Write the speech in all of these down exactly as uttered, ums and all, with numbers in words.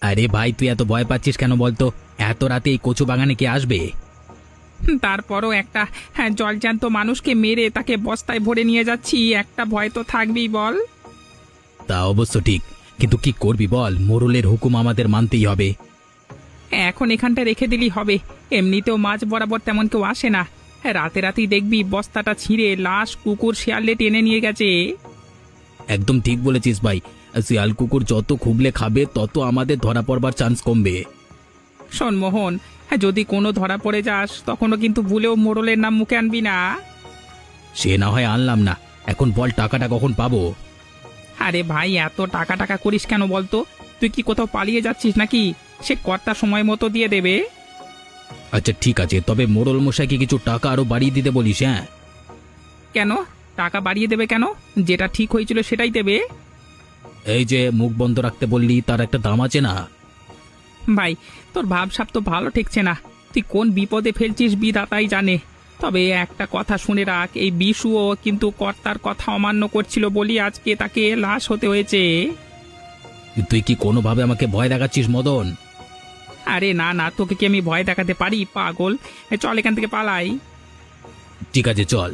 আরে ভাই, তুই এত ভয় পাচ্ছিস কেন বলতো? এত রাতে এই কচু বাগানে কে আসবে? তারপরও একটা হ্যাঁ জলজ্যান্ত মানুষকে মেরে তাকে বস্তায় ভরে নিয়ে যাচ্ছি, একটা ভয় তো থাকবেই বল। তা অবশ্য ঠিক, কিন্তু কি করবি বল, মোড়লের হুকুম আমাদের মানতেই হবে। এখন এখানটা রেখে দিলেই হবে, এমনিতেও মাঝ বরাবর তেমন কেউ আসে না। রাতে রাতেই দেখবি বস্তাটা ছিঁড়ে লাশ কুকুর শিয়ালে টেনে নিয়ে গেছে। একদম ঠিক বলেছিস ভাই। শিয়াল কুকুর যত খুবলে খাবে তত আমাদের ধরা পড়বার চান্স কমবে। শোন মোহন, হ্যাঁ যদি কোনো ধরা পড়ে যাস তখনও কিন্তু ভুলেও মোড়লের নাম মুখে আনবি না। সে না হয় আনলাম না, এখন বল টাকাটা কখন পাবো? আরে ভাই, এত টাকা টাকা করিস কেন বলতো? তুই কি কোথাও পালিয়ে যাচ্ছিস নাকি? সে কর্তা সময় মতো দিয়ে দেবে। আচ্ছা ঠিক আছে, তবে মোড়ল মশাইকে কিছু টাকা আরো বাড়িয়ে দিতে বলিস। হ্যাঁ, কেন টাকা বাড়িয়ে দেবে কেন? যেটা ঠিক হয়েছিল সেটাই দেবে। এই যে মুখ বন্ধ রাখতে বললি, তার একটা দাম আছে না? ভাই, তোর ভাবসাব তো ভালো ঠেকছে না। তুই কোন বিপদে ফেলছিস বিধাতাই জানে। তবে একটা কথা শুনে রাখ, এই বিশুও কিন্তু কর্তার কথা অমান্য করছিল বলি আজকে তাকে লাশ হতে হয়েছে। তুই কি কোনোভাবে আমাকে ভয় দেখাচ্ছিস মদন? আরে না না, তোকে কি আমি ভয় দেখাতে পারি পাগল? এ চল এখান থেকে পালাই। ঠিক আছে চল।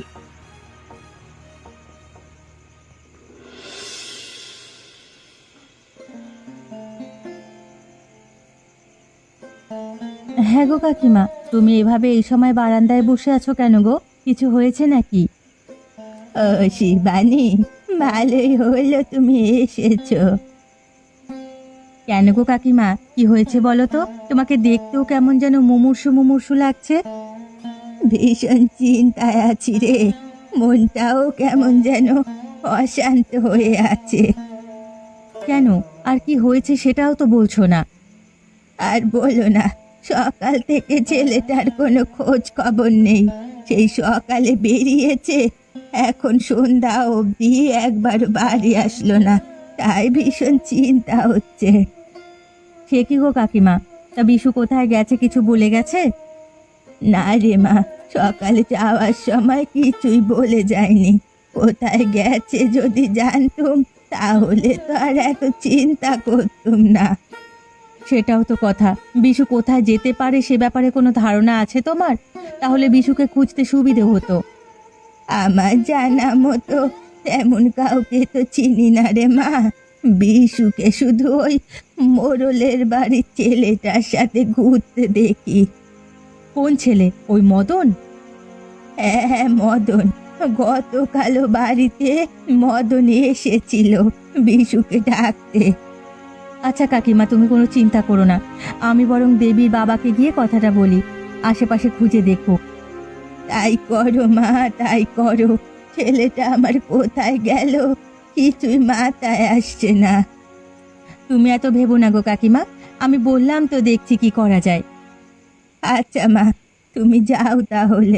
হ্যাঁ গো কাকিমা, তুমি এভাবে এই সময় বারান্দায় বসে আছো কেন গো? কিছু হয়েছে নাকি? ও শিবানী, ভালোই হলো তুমি এসেছো। কেন গো কাকিমা, কি হয়েছে বলো তো? তোমাকে দেখতেও কেমন যেন মুমূর্ষু মুমূর্ষু লাগছে। ভীষণ চিন্তায় আছি রে, মনটাও কেমন যেন অশান্ত হয়ে আছে। কেন, আর কি হয়েছে সেটাও তো বলছো না। আর বলো না, সকাল থেকে ছেলেটার কোনো খোঁজ খবর নেই। সেই সকালে বেরিয়েছে, এখন সন্ধ্যা অবধি একবার বাড়ি আসলো না। তাই ভীষণ চিন্তা হচ্ছে। সে কি গো কাকিমা, তা বিশু কোথায় গেছে, কিছু বলে গেছে? না রে মা, সকালে যাওয়ার সময় কিছুই বলে যায়নি। কোথায় গেছে যদি জানতুম তাহলে তো আর এত চিন্তা করতুম না। সেটাও তো কথা, বিশু কোথায় যেতে পারে সে ব্যাপারে কোনো ধারণা আছে তোমার? তাহলে বিশুকে খুঁজতে সুবিধে হতো। আমার জানা মতো তেমন কাউকে তো চিনি না রে মা। বিশুকে শুধু ওই মোড়লের বাড়ির ছেলেটার সাথে ঘুরতে দেখি। কোন ছেলে, ওই মদন? হ্যাঁ হ্যাঁ, মদন। গতকালও বাড়িতে মদন এসেছিল বিশুকে ডাকতে। আচ্ছা কাকিমা, তুমি কোনো চিন্তা করো না, আমি বরং দেবীর বাবাকে গিয়ে কথাটা বলি, আশেপাশে খুঁজে দেখো। তাই করো মা, তাই করো। ছেলেটা আমার কোথায় গেল কিছুই মাথায় আসছে না। তুমি এত ভেবো না গো কাকিমা, আমি বললাম তো, দেখছি কি করা যায়। আচ্ছা মা, তুমি যাও তাহলে।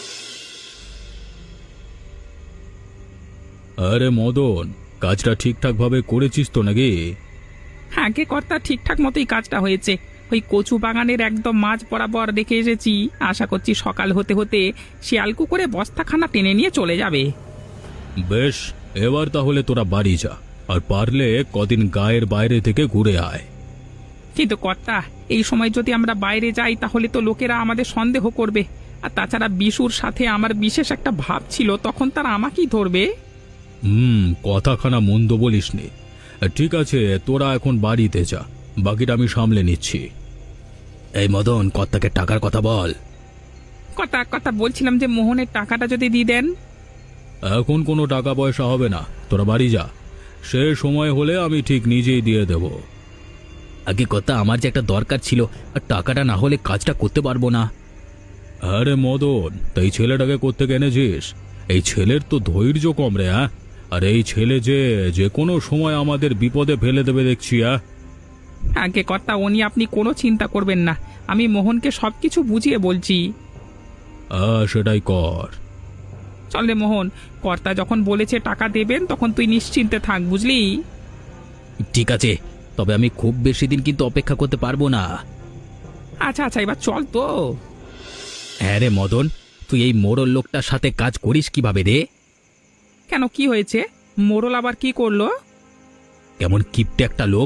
আরে মদন, কাজটা ঠিকঠাক ভাবে করেছিস তো নাকি? আগে কর্তা ঠিকঠাক মতোই কাজটা হয়েছে। ওই কচু বাগানের একদম মাঝ বরাবর রেখে এসেছি। আশা করছি সকাল হতে হতে শিয়াল কুকুরে বস্তাখানা টেনে নিয়ে চলে যাবে। বেশ, এবার তাহলে তোরা বাড়ি যা, আর পারলে কদিন গায়ের বাইরে থেকে ঘুরে আয়। কিন্তু কর্তা, এই সময় যদি আমরা বাইরে যাই তাহলে তো লোকেরা আমাদের সন্দেহ করবে। আর তাছাড়া বিশুর সাথে আমার বিশেষ একটা ভাব ছিল, তখন তারা আমাকেই ধরবে। হুম, কথাখানা মন্দ বলিস নি। ঠিক আছে, তোরা এখন বাড়িতে যা, বাকিটা আমি সামলে নিচ্ছি। এই মদন, কর্তাকে টাকার কথা বল। কথা কথা বলছিলাম যে মোহনের টাকাটা যদি দিয়ে দেন। এখন কোনো টাকা পয়সা হবে না, তোরা বাড়ি যা। সে সময় হলে আমি ঠিক নিজেই দিয়ে দেব। আগে কথা, আমার যে একটা দরকার ছিল, আর টাকাটা না হলে কাজটা করতে পারবো না। আরে মদন, তাই ছেলেটাকে করতে এনেছিস? এই ছেলের তো ধৈর্য কম রে। হ্যাঁ, আর এই ছেলে যে যে কোনো সময় আমাদের বিপদে ফেলে দেবে দেখছি। হ্যাঁ, আগে কর্তা, ও নিয়ে আপনি কোনো চিন্তা করবেন না, আমি মোহনকে সবকিছু বুঝিয়ে বলছি। হ্যাঁ, সেটাই কর। চল রে মোহন, কর্তা যখন বলেছে টাকা দেবেন তখন তুই নিশ্চিন্তে থাক, বুঝলি? ঠিক আছে, তবে আমি খুব বেশি দিন কিন্তু অপেক্ষা করতে পারবো না। আচ্ছা আচ্ছা, এবার চল তো। হ্যাঁ রে মদন, তুই এই মোড়ল লোকটার সাথে কাজ করিস কিভাবে রে? কেন, কি হয়েছে? মোড়ল আবার কি করলো? কেমন কিপটে একটা লোক,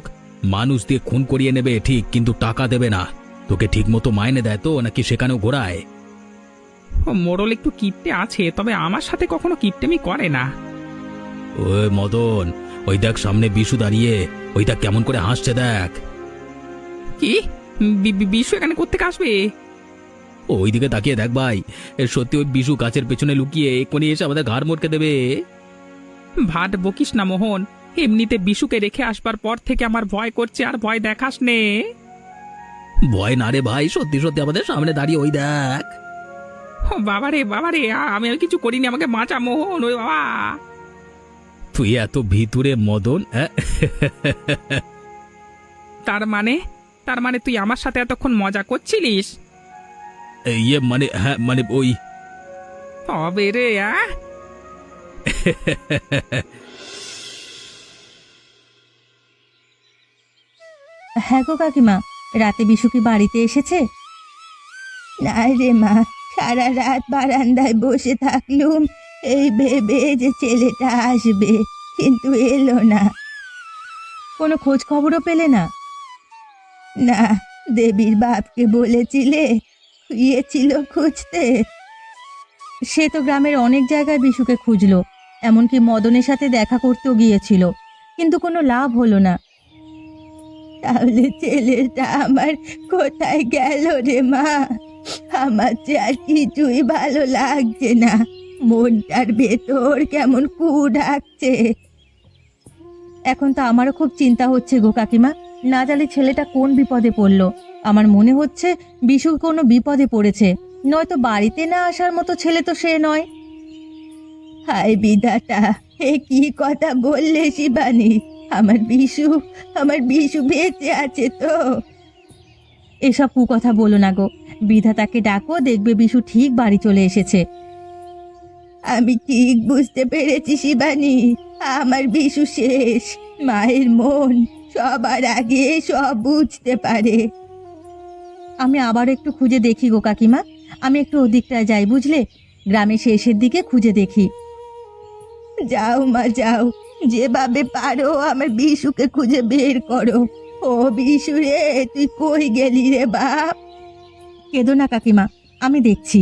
মানুষ দিয়ে খুন করিয়ে নেবে ঠিক, কিন্তু টাকা দেবে না। তোকে ঠিক মতো মাইনে দেয় তো, নাকি সেখানেও ঘোরায়? ও মোড়ল একটু কিপটে আছে, তবে আমার সাথে কখনো কিপটেমি করে না। ওই মদন, ওই দেখ সামনে বিশু দাঁড়িয়ে, ওইটা কেমন করে হাসছে দেখ। কি বি- বি- বিশু এখানে কোত্থেকে আসবে? ওই দিকে তাকিয়ে দেখ ভাই, এ সত্যি ওই বিশু গাছের পেছনে লুকিয়ে এক্ষুনি এসে আমাদের ঘাড় মোটকে দেবে। ভাট বকিস না মোহন, এমনিতে বিশুকে রেখে আসবার পর থেকে আমার ভয় করছে, আর ভয় দেখাস নে। ভয় না রে ভাই, সত্যি সত্যি আমাদের সামনে দাঁড়িয়ে ওই দেখ। ও বাবারে বাবারে, আ- আমি আর কিছু করিনি, আমাকে বাঁচা মোহন, ওই বাবা। তুই এত ভিতরে মদন, অ্যাঁ? তার মানে তার মানে তুই আমার সাথে এতক্ষণ মজা করছিলিস? ইয়ে মানে, হ্যাঁ মানে ওই। তবে রে আ হ্যাঁ গো কাকিমা, রাতে বিশু কি বাড়িতে এসেছে? না রে মা, সারা রাত বারান্দায় বসে থাকলুম এই ভেবে যে ছেলেটা আসবে, কিন্তু এলো না। কোনো খোঁজ খবরও পেলে না? না, দেবীর বাপকে বলেছিলে গিয়েছিল খুঁজতে। সে তো গ্রামের অনেক জায়গায় বিশুকে খুঁজলো, এমনকি মদনের সাথে দেখা করতেও গিয়েছিল, কিন্তু কোনো লাভ হলো না। তাহলে ছেলেটা আমার কোথায় গেল রে মা? আমার যে আর কিছুই ভালো লাগছে না, মনটার ভেতর কেমন কু ডাকছে। এখন তো আমারও খুব চিন্তা হচ্ছে গো কাকিমা, না জানি ছেলেটা কোন বিপদে পড়লো। আমার মনে হচ্ছে বিশু কোনো বিপদে পড়েছে, নয়তো বাড়িতে না আসার মতো ছেলে তো সে নয়। হায় বিধাতা, এ কি কথা বললে শিবানী? আমার বিশু, আমার বিশু বেঁচে আছে তো? এসব কুকথা বলো না গো, বিধাতাকে ডাকো, দেখবে বিশু ঠিক বাড়ি চলে এসেছে। আমি ঠিক বুঝতে পেরেছি শিবানী, আমার বিশু শেষ। মায়ের মন সবার আগে সব বুঝতে পারে। আমি আবার একটু খুঁজে দেখি গো কাকিমা, আমি একটু ওদিকটায় যাই বুঝলে, গ্রামের শেষের দিকে খুঁজে দেখি। যাও মা যাও, যেভাবে পারো আমার বিশুকে খুঁজে বের করো। ও বিশু রে, তুই কই গেলি রে বাপ? কেঁদো না কাকিমা, আমি দেখছি।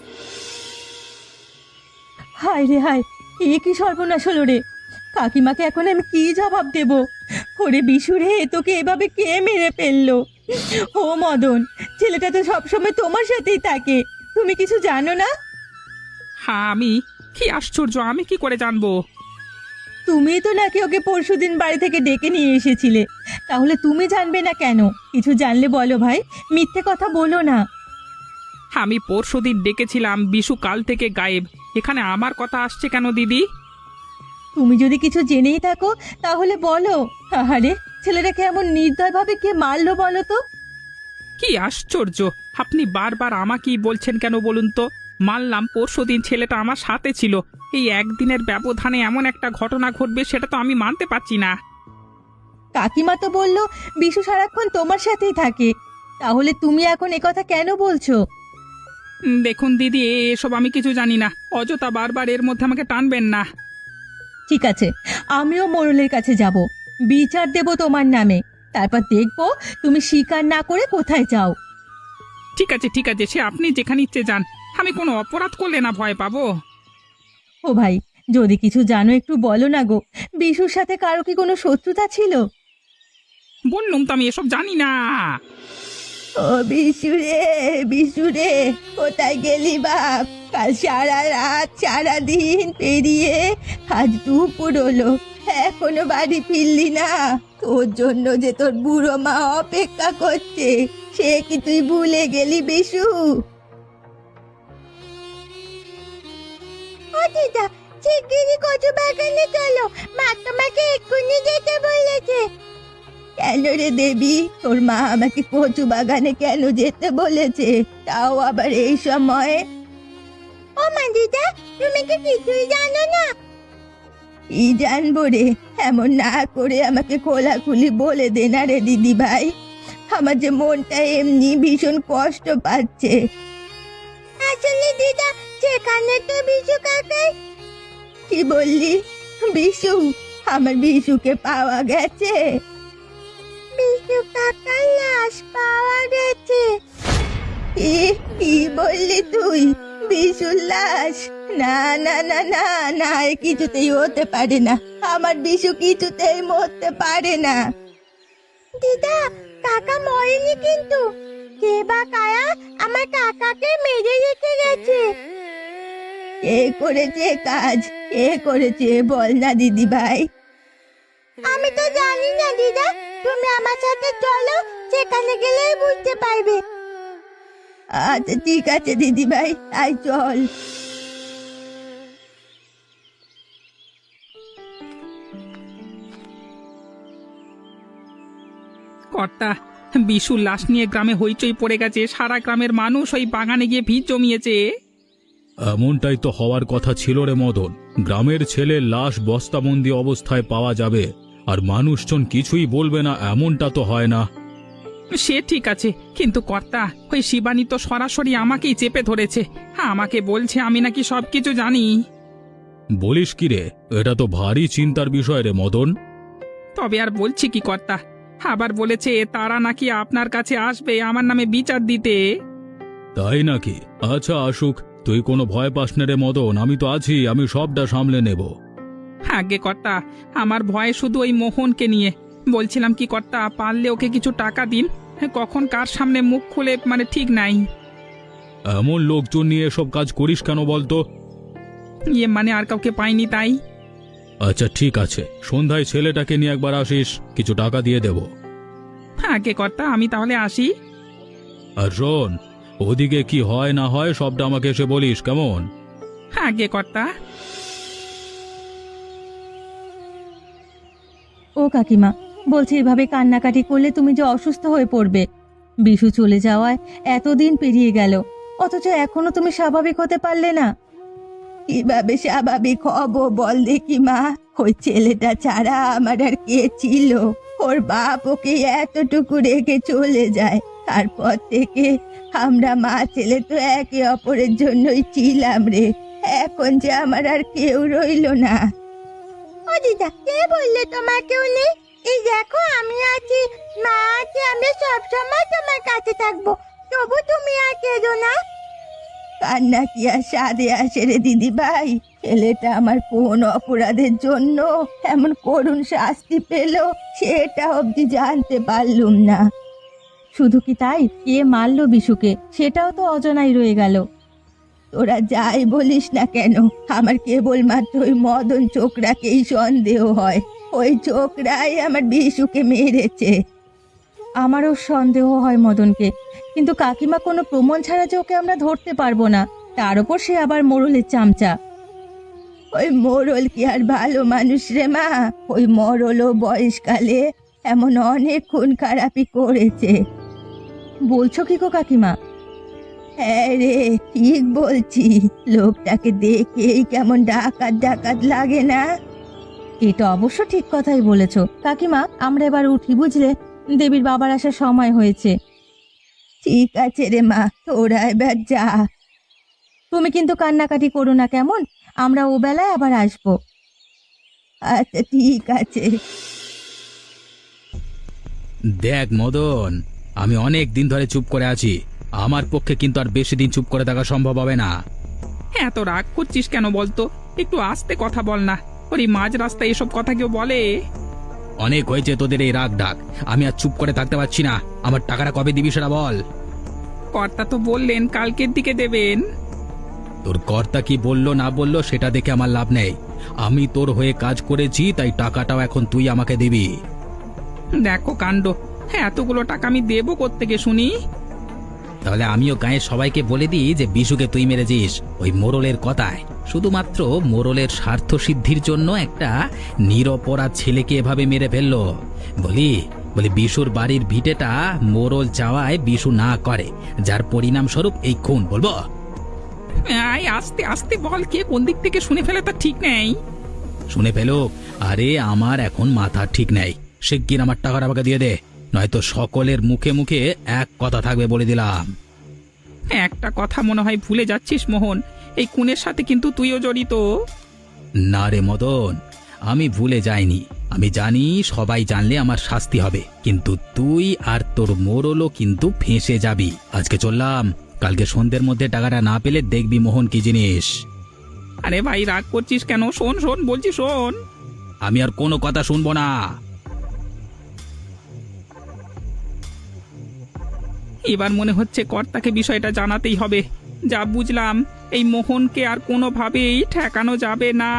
হায় রে হায়, এ কি সর্বনাশ হলো রে! কাকিমাকে এখন আমি কি জবাব দেব? ওরে বিশু রে, তোকে এভাবে কে মেরে ফেললো? ও মদন, ছেলেটা তো সবসময় তোমার সাথেই থাকে, তুমি কিছু জানো না? হ্যাঁ, আমি কি আশ্চর্য, আমি কি করে জানবো? তুমি তো নাকি ওকে পরশুদিন বাড়ি থেকে ডেকে নিয়ে এসেছিলে, তাহলে তুমি জানবে না কেন? কিছু জানলে বলো ভাই, মিথ্যে কথা বলো না। আমি পরশুদিন ডেকেছিলাম, বিশু কাল থেকে গায়েব। এখানে আমার কথা আসছে কেন দিদি? তুমি যদি কিছু জেনেই থাকো তাহলে বলো। আহারে, ছেলেটাকে এমন নির্দয়ভাবে কে মারলো বলো তো? কি আশ্চর্য, আপনি বারবার আমাকেই বলছেন কেন বলুন তো? মানলাম পরশুদিন ছেলেটা আমার সাথে ছিল, এই একদিনের ব্যবধানে এমন একটা ঘটনা ঘটবে সেটা তো আমি মানতে পারছি না। কাকিমা তো বললো বিশু সারাক্ষণ তোমার সাথেই থাকে, তাহলে তুমি এখন একথা কেন বলছো? উম, দেখুন দিদি, এসব আমি কিছু জানি না, অযথা বারবার এর মধ্যে আমাকে টানবেন না। ঠিক আছে, আমিও মোড়লের কাছে যাব, বিচার দেব তোমার নামে, তারপর দেখবো তুমি স্বীকার না করে কোথায় যাও। ঠিক আছে ঠিক আছে, সে আপনি যেখানে ইচ্ছে যান, আমি কোনো অপরাধ করলে না ভয় পাবো? ও ভাই, যদি কিছু জানো একটু বলো না গো, বিশুর সাথে কারো কি কোনো শত্রুতা ছিল? বললুম তো আমি এসব জানি না। ও বিশু রে, বিশু রে, কোথায় গেলি বাপ? কাল সারা রাত সারা দিন পেরিয়ে আজ দুপুর হলো, এখনো বাড়ি ফিরলি না? তোর জন্য যে তোর বুড়ো মা অপেক্ষা করছে, সে কি তুই ভুলে গেলি বিশু? ও দিদা, শিগগিরই কচু বাগানে চলো, মা তোমাকে এক্ষুনি যেতে বলেছে। কেন রে দেবী, তোর মা আমাকে কচু বাগানে কেন যেতে বলেছে, তাও আবার এই সময়ে? ও মা দিদা, তুমি কি কিছুই জানো না? কি জানবো রে, এমন না করে আমাকে খোলাখুলি বলে দে না রে দিদি ভাই, আমার যে মনটা এমনি ভীষণ কষ্ট পাচ্ছে। আসলে দিদা, সেখানে তো বিশু কাকাই। কি বললি? বিশু? আমার বিশুকে পাওয়া গেছে? বিশু কাকার লাশ পাওয়া গেছে। কি কি বললি তুই? বিশুর লাশ? না না না না না, এ কিছুতেই হতে পারে না। আমার বিশু কিছুতেই মরতে পারে না। দিদা, কাকা মরেনি কিন্তু। কে বা কায়া আমার কাকাকে মেরে রেখে গেছে? কে করেছে কাজ? কে করেছে বল না দিদি ভাই। আমি তো জানি না দিদা, তুমি আমার সাথে চলো, সেখানে গেলেই বুঝতে পারবে। আচ্ছা ঠিক আছে দিদি ভাই, আই চল। কর্তা, বিশুর লাশ নিয়ে গ্রামে হইচই পড়ে গেছে। সারা গ্রামের মানুষ ওই বাগানে গিয়ে ভিড় জমিয়েছে। এমনটাই তো হওয়ার কথা ছিল রে মদন। গ্রামের ছেলের লাশ বস্তাবন্দি অবস্থায় পাওয়া যাবে আর মানুষজন কিছুই বলবে না, এমনটা তো হয় না। সে ঠিক আছে, কিন্তু কর্তা, ওই শিবানী তো সরাসরি আমাকেই চেপে ধরেছে। আমাকে বলছে আমি নাকি সবকিছু জানি। বলিস কি রে? এটা তো ভারী চিন্তার বিষয় রে মদন। তবে আর বলছি কি কর্তা, আবার বলেছে তারা নাকি আপনার কাছে আসবে আমার নামে বিচার দিতে। তাই নাকি? আচ্ছা আসুক, তুই কোনো ভয় পাস না রে মদন, আমি তো আছি, আমি সবটা সামলে নেব। আগে কর্তা, আমার ভয় শুধু ওই মোহনকে নিয়ে। বলছিলাম কি কর্তা, পারলে ওকে কিছু টাকা দিন। কখন কার সামনে মুখ খুলে মানে ঠিক নাই। এমন লোকজন নিয়ে এসব কাজ করিস কেন বলতো? ইয়ে মানে আর কাউকে পাইনি তাই। আচ্ছা ঠিক আছে, সন্ধ্যায় ছেলেটাকে নিয়ে একবার আসিস, কিছু টাকা দিয়ে দেব। আগে কর্তা, আমি তাহলে আসি। আর শোন, ওদিকে কি হয় না হয় সবটা আমাকে এসে বলিস, কেমন? আগে কর্তা। ও কাকিমা, বলছি এভাবে কান্নাকাটি করলে তুমি যে অসুস্থ হয়ে পড়বে। বিশু চলে যাওয়ায় এতদিন পেরিয়ে গেল, অথচ এখনো তুমি স্বাভাবিক হতে পারলে না। কিভাবে স্বাভাবিক হব বল দেখি মা? ওই ছেলেটা ছাড়া আমার আর কে ছিল? ওর বাপ ওকে এতটুকু রেখে চলে যায়, তারপর থেকে আমরা মা ছেলে তো একে অপরের জন্যই ছিলাম রে। এখন যে আমার আর কেউ রইলো না। ও দিদা, কে বললে তোমার কেউ নেই? এই দেখো আমি আছি, মা আছে, আমি সব সময় তোমার কাছে থাকবো। তবু তুমি আর কেঁদো না। কান্না কি আর সাদে আসে রে দিদি ভাই? ছেলেটা আমার কোন অপরাধের জন্য এমন করুণ শাস্তি পেল সেটা অবধি জানতে পারলুম না। শুধু কি তাই, কে মারলো বিশুকে সেটাও তো অজানাই রয়ে গেল। তোরা যাই বলিস না কেন, আমার কেবলমাত্র ওই মদন ছোকরাকেই সন্দেহ হয়। ওই ছোকরাই আমার বিশুকে মেরেছে। আমারও সন্দেহ হয় মদনকে, কিন্তু কাকিমা কোনো প্রমাণ ছাড়া যে ওকে আমরা ধরতে পারবো না। তার উপর সে আবার মোড়লের চামচা। ওই মোড়ল কি আর ভালো মানুষ রে মা? ওই মোড়লও বয়সকালে এমন অনেক খুন খারাপি করেছে। বলছো কি গো কাকিমা? হ্যাঁ রে, ঠিক বলছি। লোকটাকে দেখেই কেমন ডাকাত ডাকাত লাগে না? এটা অবশ্য ঠিক কথাই বলেছো কাকিমা। আমরা এবার উঠি বুঝলে, দেবীর বাবার আসার সময় হয়েছে। ঠিক আছে রে মা, তোরা এবার যা। তুমি কিন্তু কান্নাকাটি করো না কেমন? আমরা ও বেলায় আবার আসবো। আচ্ছা ঠিক আছে। দেখ মদন, আমি অনেক দিন ধরে চুপ করে আছি, আমার পক্ষে কিন্তু আর বেশি দিন চুপ করে থাকা সম্ভব হবে না। এত রাগ করছিস কেন বলতো? একটু আস্তে কথা বল না। ওর এই মাঝ রাস্তায় এসব কথা কেউ বলে? অনেক হয়েছে তোদের এই রাগ ডাক, আমি আর চুপ করে থাকতে পারছি না। আমার টাকাটা কবে দিবি সেটা বল। কর্তা তো বললেন কালকের দিকে দেবেন। তোর কর্তা কি বললো না বললো সেটা দেখে আমার লাভ নেই। আমি তোর হয়ে কাজ করেছি, তাই টাকাটাও এখন তুই আমাকে দিবি। দেখো কাণ্ড, হ্যাঁ এতগুলো টাকা আমি দেবো কোত্থেকে শুনি? তাহলে আমিও গায়ের সবাইকে বলে দিই যে বিশুকে তুই মেরেছিস ওই মোড়লের কথায়। শুধুমাত্র মোড়লের স্বার্থ সিদ্ধির জন্য একটা নিরপরাধ ছেলেকে এভাবে মেরে ফেললো। বলি বলি বিশুর বাড়ির ভিটেটা মোড়ল চাওয়ায় বিশু না করে, যার পরিণাম স্বরূপ এই খুন। বলবো? আয় আস্তে আস্তে বল, কে কোন দিক থেকে শুনে ফেলে তা ঠিক নেই। শুনে ফেলুক, আরে আমার এখন মাথা ঠিক নেই। শিগগির আমার টাকাটা আমাকে দিয়ে দে, নয়তো সকলের মুখে মুখে এক কথা থাকবে বলে দিলাম। একটা কথা মনে হয় ভুলে যাচ্ছিস মোহন, এই খুনের সাথে কিন্তু তুইও জড়িত। না রে মদন, আমি ভুলে যাইনি। আমি জানি সবাই জানলে আমার শাস্তি হবে, কিন্তু তুই আর তোর মোড়লও কিন্তু ফেঁসে যাবি। আজকে চললাম, কালকে সন্ধ্যের মধ্যে টাকাটা না পেলে দেখবি মোহন কি জিনিস। আরে ভাই রাগ করছিস কেন? শোন শোন বলছি শোন। আমি আর কোনো কথা শুনবো না। এবার মনে হচ্ছে কর্তাকে বিষয়টা জানাতেই হবে। যা বুঝলাম, এই মোহনকে আর কোনোভাবেই ঠেকানো যাবে না।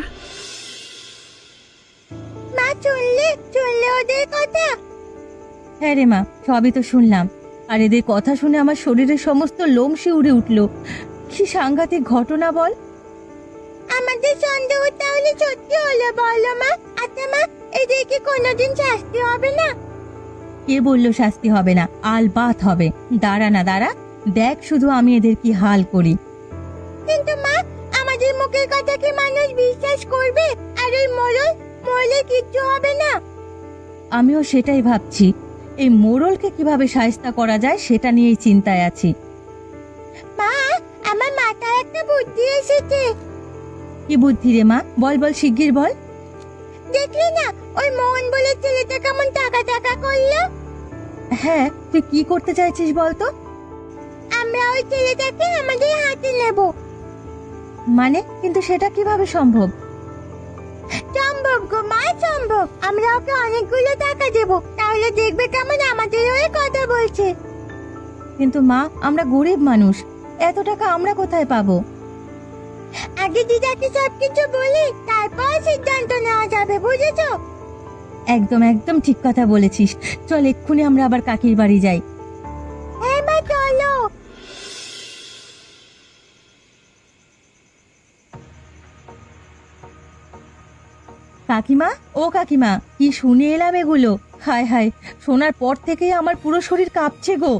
মা চললে চললে ওদের কথা। হ্যাঁ রে মা, সবই তো শুনলাম। আর এদের কথা শুনে আমার শরীরের সমস্ত লোম শিউরে উঠল। কি সাংঘাতিক ঘটনা বল। আমাদের সন্দেহ তাহলে সত্যি হলো বলো মা। আচ্ছা মা, এদেরকে কোনোদিন শাস্তি হবে না? কে বললো শাস্তি হবে না? আলবাত হবে। দাঁড়া না দাঁড়া, দেখ শুধু আমি এদের কি হাল করি। কিন্তু মা, আমাদের মুখের কথা কি মানুষ বিশ্বাস করবে? আর ওই মোড়ল, মোড়লে কিচ্ছু হবে না? আমিও সেটাই ভাবছি। এই মোড়লকে কিভাবে শায়েস্তা করা যায় সেটা নিয়েই চিন্তায় আছি। মা, আমার মাথায় একটা বুদ্ধি এসেছে। কি বুদ্ধি রে মা? বল বল, শিগগির বল। দেখলি না ওই মোহন বলে ছেলেটা কেমন টাকা টাকা করলো? হ্যাঁ, তুই কি করতে চাইছিস বলতো? আমরা ওই ছেলেটাকে আমাদের হাতে নেব। মানে, কিন্তু সেটা কিভাবে সম্ভব? সম্ভব গো মা, সম্ভব। আমরা ওকে অনেকগুলো টাকা দেব, তাহলে দেখবে কেমন আমাদের হয়ে কথা বলছে। কিন্তু মা, আমরা গরিব মানুষ, এত টাকা আমরা কোথায় পাবো? আগে দিদাকে সবকিছু বলি, তারপর সিদ্ধান্ত নেওয়া যাবে, বুঝেছো? একদম একদম ঠিক কথা বলেছিস। চল এক্ষুনি আমরা আবার কাকির বাড়ি যাই। হ্যাঁ মা, চলো। কাকিমা, ও কাকিমা, কি শুনে এলাম এগুলো? হায় হায়, শোনার পর থেকেই আমার পুরো শরীর কাঁপছে গো।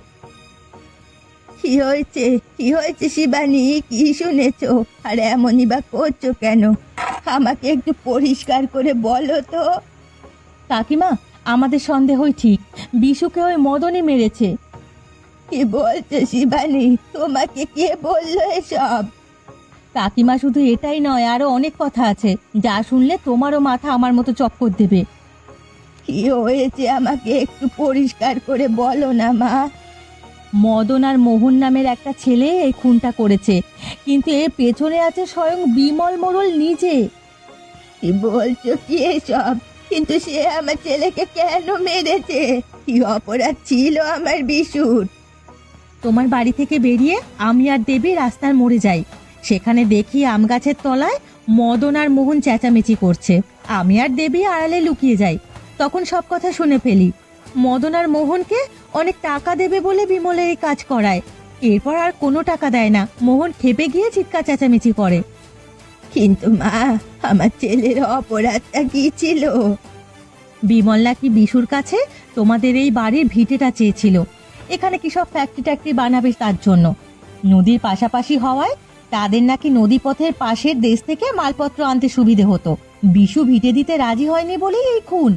কি হয়েছে, কি হয়েছে শিবানী? কি শুনেছো? আর এমনই বা করছো কেন? আমাকে একটু পরিষ্কার করে বলো তো। কাকিমা, আমাদের সন্দেহই ঠিক, বিশুকে ওই মদনই মেরেছে। কি বলছো শিবানী? তোমাকে কে বললো এসব? কাকিমা, শুধু এটাই নয়, আরো অনেক কথা আছে, যা শুনলে তোমারও মাথা আমার মতো চক্কর দেবে। কি হয়েছে আমাকে একটু পরিষ্কার করে বলো না মা। মদন আর মোহন নামের একটা ছেলে এই খুনটা করেছে, কিন্তু এর পেছনে আছে স্বয়ং বিমল মোড়ল নিজে। কি বলছো কি এসব? কিন্তু সে আমার ছেলেকে কেন মেরেছে? কি অপরাধ ছিল আমার বিশুর? তোমার বাড়ি থেকে বেরিয়ে আমি আর দেবী রাস্তার মোড়ে যাই। সেখানে দেখি আম গাছের তলায় মদন আর মোহন চেঁচামেচি করছে। আমি আর দেবী আড়ালে লুকিয়ে যাই। তখন সব কথা শুনে ফেলি। মদন আর মোহনকে অনেক টাকা দেবে বলে বিমলের এই কাজ করায়। এরপর আর কোনো টাকা দেয় না। মোহন খেপে গিয়ে চিৎকার চেঁচামেচি করে। কিন্তু মা, আমার ছেলের অপরাধটা কি ছিল? বিমল নাকি বিশুর কাছে তোমাদের এই বাড়ির ভিটেটা চেয়েছিল। এখানে কি সব ফ্যাক্টরি ট্যাক্টরি বানাবে তার জন্য। নদীর পাশাপাশি হওয়ায় তাদের নাকি নদীপথের পাশের দেশ থেকে মালপত্র আনতে সুবিধে হতো। বিশু ভিটে দিতে রাজি হয়নি বলেই এই খুন।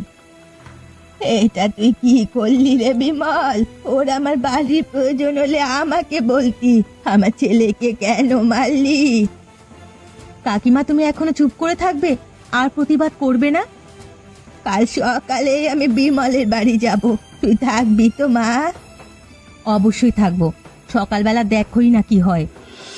এটা তুই কি করলি রে বিমল? ওর আমার বাড়ির প্রয়োজন হলে আমাকে বলতি, আমার ছেলেকে কেন মারলি? কাকিমা, তুমি এখনো চুপ করে থাকবে আর প্রতিবাদ করবে না? কাল সকালে আমি বিমলের বাড়ি যাব, তুই থাকবি তো মা? অবশ্যই থাকবো। সকালবেলা দেখোই না কি হয়।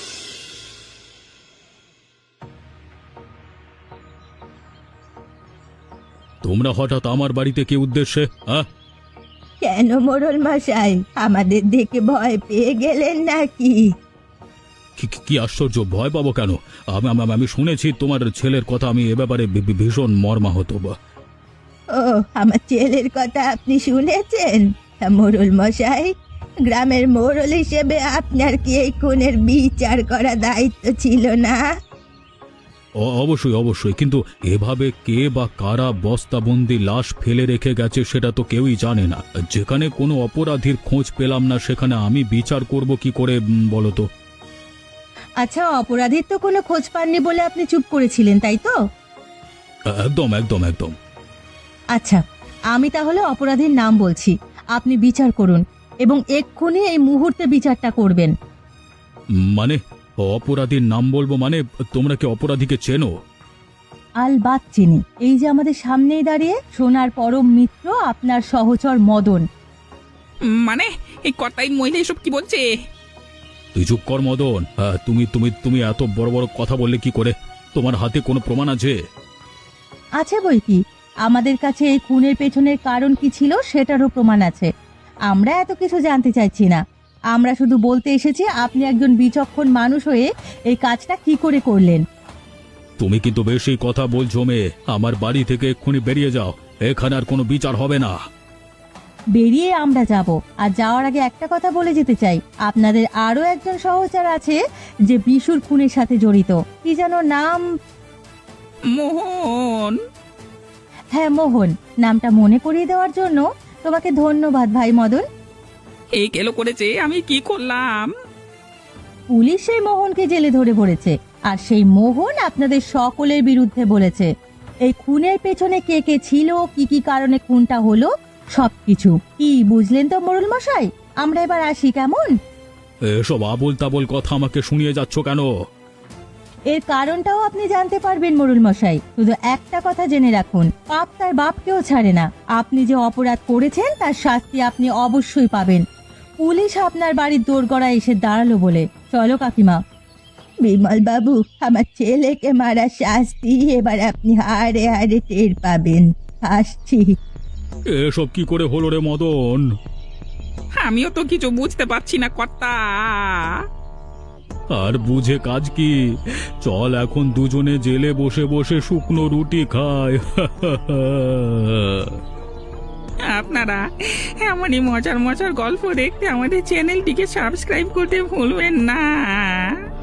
তোমরা হঠাৎ আমার বাড়িতে কি উদ্দেশ্যে? হ্যাঁ, কেন মোড়ল মশাই, আমাদের দেখে ভয় পেয়ে গেলেন নাকি? কি- কি- কি আশ্চর্য, ভয় পাবো কেন? আমি আমি- আমি শুনেছি তোমার ছেলের কথা, আমি এ ব্যাপারে ভী- ভী- ভীষণ মর্মাহত। ও, আমার ছেলের কথা আপনি শুনেছেন? তা মোড়ল মশাই, গ্রামের মোড়ল হিসেবে আপনার কি এই খুনের বিচার করা দায়িত্ব ছিল না? অ- অবশ্যই অবশ্যই, কিন্তু এভাবে কে বা কারা বস্তাবন্দি লাশ ফেলে রেখে গেছে সেটা তো কেউই জানে না। যেখানে কোনো অপরাধীর খোঁজ পেলাম না সেখানে আমি বিচার করব কি করে, উম, বলো তো? আচ্ছা, অপরাধীর তো কোনো খোঁজ পাননি বলে আপনি চুপ করেছিলেন, তাই তো? একদম একদম একদম। আচ্ছা, আমি তাহলে অপরাধীর নাম বলছি, আপনি বিচার করুন এবং এক্ষুনি এই মুহূর্তে বিচারটা করবেন। মানে অপরাধীর নাম বলবো? মানে তোমরা কি অপরাধীকে চেনো? আলবাত চিনি। এই যে আমাদের সামনেই দাঁড়িয়ে সোনার পরম মিত্র আপনার সহচর মদন। উম, মানে এই কর্তাই মহিলা এসব কি বলছে? তুই চুপ কর মদন। হ্যাঁ, তুমি তুমি তুমি এত বড় বড় কথা বললে কি করে? তোমার হাতে কোনো প্রমাণ আছে? আছে বই কি, আমাদের কাছে এই খুনের পেছনের কারণ কি ছিল সেটারও প্রমাণ আছে। আমরা এত কিছু জানতে চাইছি না, আমরা শুধু বলতে এসেছি আপনি একজন বিচক্ষণ মানুষ হয়ে এই কাজটা কি করে করলেন। তুমি কিন্তু বেশি কথা বলছো মেয়ে। আমার বাড়ি থেকে এক্ষুনি বেরিয়ে যাও, এখানে আর কোনো বিচার হবে না। বেরিয়ে আমরা যাব, আর যাওয়ার আগে একটা কথা বলে যেতে চাই, আপনাদের আরো একজন সহচর আছে যে বিশুর খুনের সাথে জড়িত। কি যেন নাম? মোহন। হ্যাঁ মোহন। নামটা মনে করিয়ে দেওয়ার জন্য তোমাকে ধন্যবাদ ভাই মদন। এই কেলো করেছে, আমি কি করলাম? পুলিশ সেই মোহনকে জেলে ধরে পড়েছে, আর সেই মোহন আপনাদের সকলের বিরুদ্ধে বলেছে। এই খুনের পেছনে কে কে ছিল, কি কি কারণে খুনটা হলো, সবকিছু। কি বুঝলেন তো মোড়ল মশাই? আমরা এবার আসি কেমন? এসব আবোল তাবোল কথা আমাকে শুনিয়ে যাচ্ছ কেন? এর কারণটাও আপনি জানতে পারবেন মোড়ল মশাই। শুধু একটা কথা জেনে রাখুন, পাপ তার বাপকেও ছাড়ে না। আপনি যে অপরাধ করেছেন তার শাস্তি আপনি অবশ্যই পাবেন। পুলিশ আপনার বাড়ির দোরগড়ায় এসে দাঁড়ালো বলে। চলো কাকিমা। বিমল বাবু, আমার ছেলেকে মারা শাস্তি এবার আপনি হাড়ে হাড়ে টের পাবেন। আসছি। এসব কি করে হলো রে মদন? আমিও তো কিছু বুঝতে পারছি না কর্তা। আর বুঝে কাজ কি? চল এখন দুজনে জেলে বসে বসে শুকনো রুটি খায়। আপনারা এমনই মজার মজার গল্প দেখতে আমাদের চ্যানেলটিকে সাবস্ক্রাইব করতে ভুলবেন না।